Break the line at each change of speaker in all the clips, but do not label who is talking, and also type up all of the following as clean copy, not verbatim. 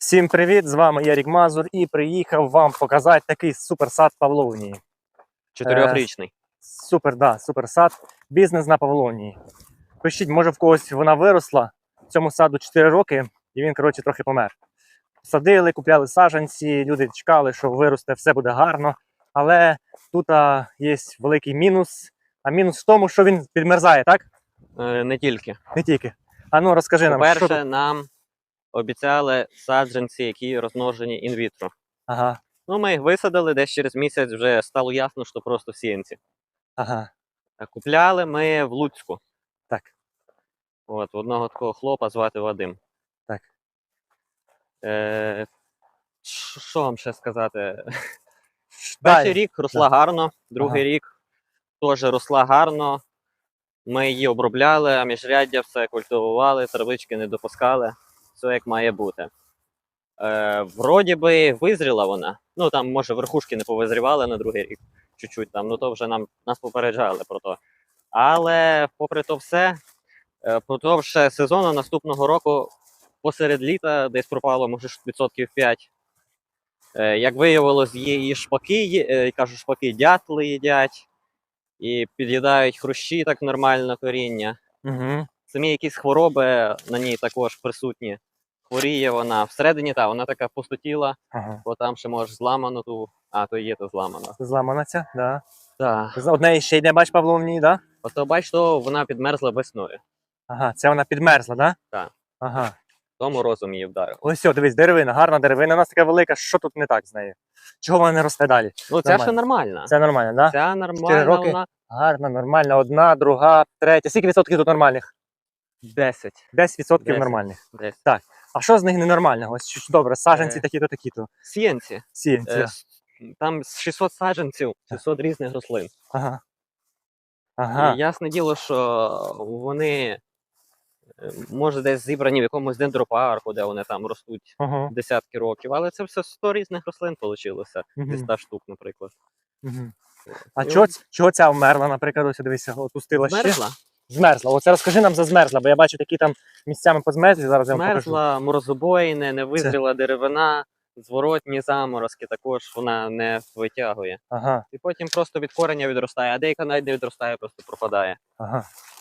Всім привіт! З вами Ярік Мазур і приїхав вам показати такий суперсад Павловнії.
Чотирьохрічний.
Супер сад. Бізнес на Павловнії. Пишіть, може в когось вона виросла. Цьому саду 4 роки і він, коротше, трохи помер. Садили, купляли саджанці, люди чекали, що виросте, все буде гарно. Але тут є великий мінус. А мінус в тому, що він підмерзає, так?
Не тільки.
Не тільки. А ну розкажи нам, що
По-перше,
тут?
нам обіцяли саджанці, які розмножені інвітро.
Ага,
Ну, ми їх висадили, десь через місяць вже стало ясно, що просто сіянці.
ага,
А купляли ми в Луцьку.
так,
От, в одного такого хлопа звати Вадим.
так.
Що вам ще сказати?
Дай.
Перший рік росла гарно, другий рік теж росла гарно. Ми її обробляли, а міжряддя все культивували, травички не допускали. Все як має бути. Вроді би визріла вона. Ну там, може, верхушки не повизрівали на другий рік чуть-чуть там, ну то вже нас попереджали про то. Але попри то все, продовж сезону наступного року посеред літа десь пропало, може, 5%. Як виявилось, є і шпаки, кажу, шпаки дятли їдять, і під'їдають хрущі так нормально коріння.
Угу.
Самі якісь хвороби на ній також присутні. Хворіє вона. Всередині вона така пустотіла,
Ага.
бо там ще може зламано ту. А, то є то зламано.
Зламана ця, да.
Так.
Одне ще йде, бач, Павловні, да?
Ото бач, то вона підмерзла весною.
Ага, це вона підмерзла, да?
Так.
Ага.
То морозом її вдарив.
Ось все, дивись, деревина, гарна деревина, у нас така велика, що тут не так з нею? Чого вона не росте далі?
Ну, ця ще нормальна.
Це нормально, да?
Ця
4
нормальна,
роки.
вона
Гарна, нормальна, одна, друга, третя. Скільки відсотків тут нормальних?
10.
10%
10.
нормальних.
10.
А що з них ненормального? Ось добре, саджанці такі-то, такі-то.
Сіянці.
Сіянці.
Там 600 саджанців, 600 різних рослин.
Ага. Ага.
І ясне діло, що вони, може, десь зібрані в якомусь дендропарку, де вони там ростуть
Ага.
десятки років, але це все 100 різних рослин вийшло, зі 100 штук, наприклад.
Угу. А
І
чого ця вмерла, наприклад, ось дивися, опустила ще?
Змерзла.
Змерзла. Оце розкажи нам за змерзла, бо я бачу такі там місцями позмерзлі, зараз я вам покажу.
Змерзла, морозобоїне, не визріла деревина, зворотні заморозки також вона не витягує.
Ага,
І потім просто від кореня відростає, а деяка навіть не відростає, просто пропадає.
ага.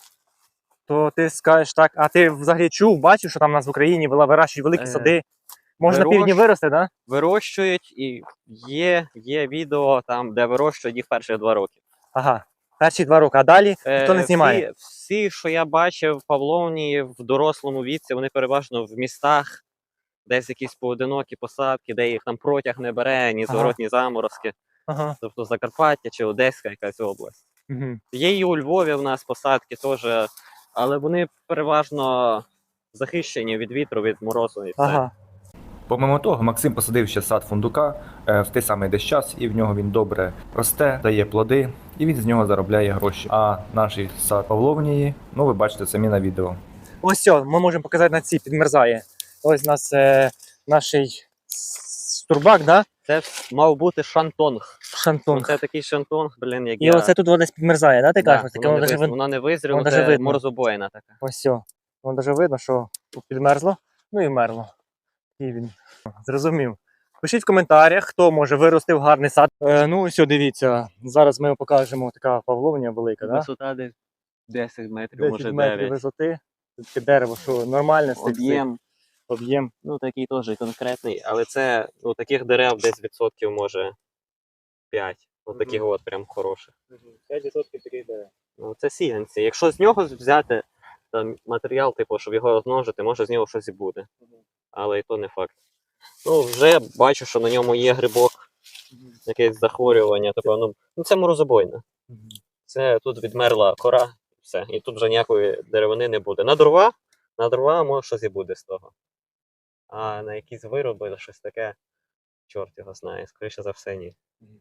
То ти скажеш так, а ти взагалі чув, бачив, що там у нас в Україні вирощують великі сади? Може на півдні виросте, так? Да?
Вирощують, і є відео там, де вирощують їх перші 2 роки.
Ага, перші 2 роки, а далі ніхто не знімає?
Всі, що я бачив в Павловні в дорослому віці, вони переважно в містах, десь якісь поодинокі посадки, де їх там протяг не бере, ні зворотні заморозки.
Ага.
Тобто Закарпаття чи Одеська якась область.
Угу.
Є і у Львові в нас посадки теж, але вони переважно захищені від вітру, від морозу і все.
Ага.
Помимо того, Максим посадив ще сад фундука в той самий десь час, і в нього він добре росте, дає плоди, і він з нього заробляє гроші. А наш сад Павловнії, ну ви бачите самі на відео.
Ось все, ми можемо показати на цій, підмерзає. Ось у нас наш стурбак, да?
Це мав бути шантонг.
Шантонг.
Це такий шантонг, блін, як
І оце тут воно десь підмерзає, да, ти кажеш? Таке
воно не визріло,
воно
це
даже видно.
морозобоїна така.
Ось все. Воно навіть видно, що підмерзло, ну і вмерло. І він зрозумів. Пишіть в коментарях, хто може виростив гарний сад. Ну ось, дивіться, зараз ми покажемо така Павловня велика, да?
Висота десь 10 метрів,
10
може
метрів
9.
висоти. Таке дерево, що нормальне стоїть.
Об'єм, ну такий теж конкретний, але це у таких дерев десь відсотків може 5. От таких от прям хороших.
5% таких дерев.
Ну, це сіянці. Якщо з нього взяти там матеріал, типу, щоб його розмножити, може з нього щось і буде. Але і то не факт. Ну, вже бачу, що на ньому є грибок, якесь захворювання, типу, ну це морозобойне. Це тут відмерла кора, все. І тут вже ніякої деревини не буде. На дрова може щось і буде з того. А на якісь вироби, щось таке, чорт його знає, скоріше за все, ні.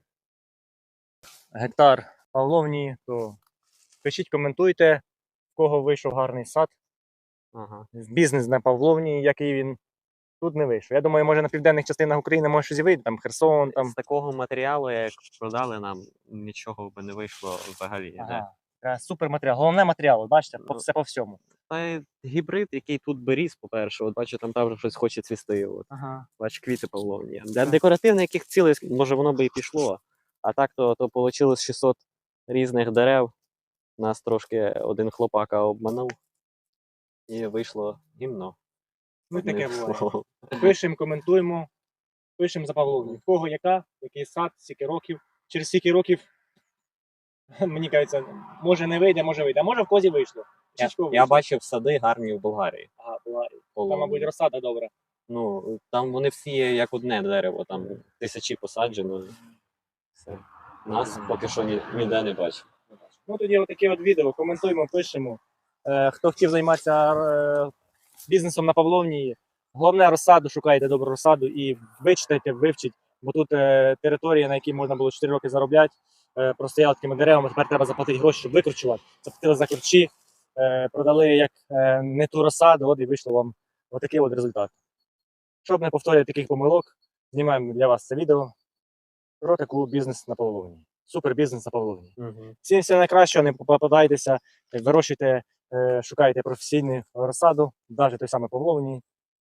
Гектар Павловні, то пишіть, коментуйте, в кого вийшов гарний сад.
Ага.
Бізнес на Павловні, який він тут не вийшов. Я думаю, може на південних частинах України може щось і вийде, там Херсон, там.
З такого матеріалу, як продали нам, нічого би не вийшло взагалі.
Ага. Супер матеріал. Головне матеріал, бачите, все по всьому.
Та й гібрид, який тут беріз, по-перше, от бачу, там вже щось хоче цвісти. От.
Ага.
Бачу, квіти павловні. Для декоративних яких цілей, може, воно би і пішло. А так то вийшло 600 різних дерев. Нас трошки один хлопака обманув. І вийшло гімно.
Ну, таке
Одним
буває.
словом.
Пишемо, коментуємо, пишемо за Павловню. В кого яка, який сад, скільки років, через скільки років, мені кажеться, може не вийде, може вийде. А може в козі вийшло. Чічко
Я
вийшло.
бачив сади гарні в Болгарії.
Ага, була. Там,
Полонні.
мабуть, розсада добра.
Ну, там вони всі як одне дерево, там тисячі посаджено. Все. Нас поки що ніде не бачив.
Ну, тоді отаке от відео, коментуємо, пишемо. Хто хотів займатися бізнесом на Павловні, головне розсаду, шукайте добру розсаду і вичитайте, вивчіть, бо тут територія, на якій можна було 4 роки заробляти, простояла такими деревами, тепер треба заплатити гроші, щоб викручувати. Заплатили за корчі, продали як не ту розсаду, от і вийшло вам отакий от результат. Щоб не повторювати таких помилок, знімаємо для вас це відео про таку бізнес на Павловні. Супер бізнес на Павловні. Всім все найкращого, не попадайтеся, вирощуйте, шукайте професійну розсаду, навіть той самий Павловні.